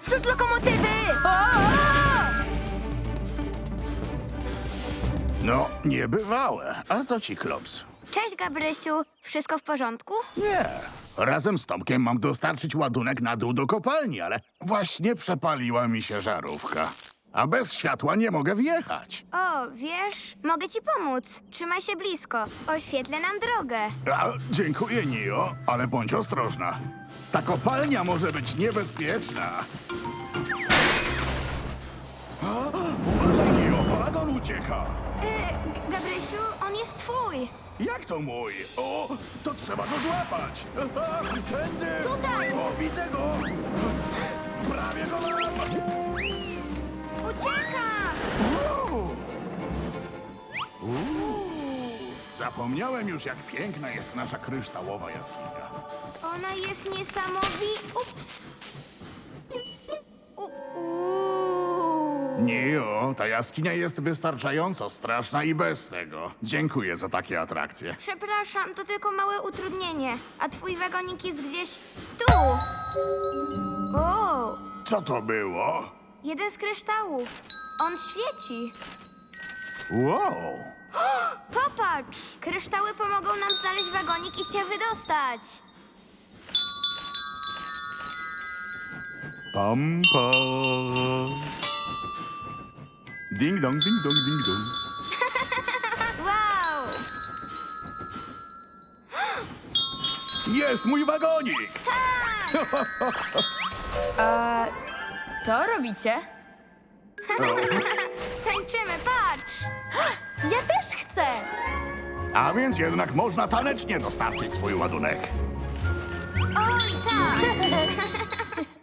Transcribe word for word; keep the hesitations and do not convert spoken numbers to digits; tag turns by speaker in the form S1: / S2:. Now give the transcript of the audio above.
S1: Naprzód lokomotywy!
S2: No, niebywałe. A to ci klops.
S1: Cześć, Gabrysiu. Wszystko w porządku?
S2: Nie. Razem z Tomkiem mam dostarczyć ładunek na dół do kopalni, ale właśnie przepaliła mi się żarówka. A bez światła nie mogę wjechać.
S1: O, wiesz, mogę ci pomóc. Trzymaj się blisko. Oświetlę nam drogę.
S2: A, dziękuję, Nio, ale bądź ostrożna. Ta kopalnia może być niebezpieczna. A, uważaj, Nio, wagon ucieka.
S1: Yy, G- Gabrysiu, on jest twój.
S2: Jak to mój? O, to trzeba go złapać. Aha, tędy.
S1: Tutaj.
S2: O, widzę go. Prawie go mam.
S1: Ucieka!
S2: Uuu. Uuu. Zapomniałem już, jak piękna jest nasza kryształowa jaskinia.
S1: Ona jest niesamowita. Ups. U- uuu.
S2: Nio, ta jaskinia jest wystarczająco straszna i bez tego. Dziękuję za takie atrakcje.
S1: Przepraszam, to tylko małe utrudnienie. A twój wagonik jest gdzieś tu. O,
S2: Co to było?
S1: jeden z kryształów. On świeci.
S2: Wow!
S1: Popatrz! Kryształy pomogą nam znaleźć wagonik i się wydostać.
S2: Pam, pam. Ding dong, ding dong, ding dong.
S1: Wow!
S2: Jest mój wagonik!
S3: A co robicie?
S1: Tańczymy, patrz!
S3: Ja też chcę!
S2: A więc jednak można tanecznie dostarczyć swój ładunek.
S1: Oj, tak!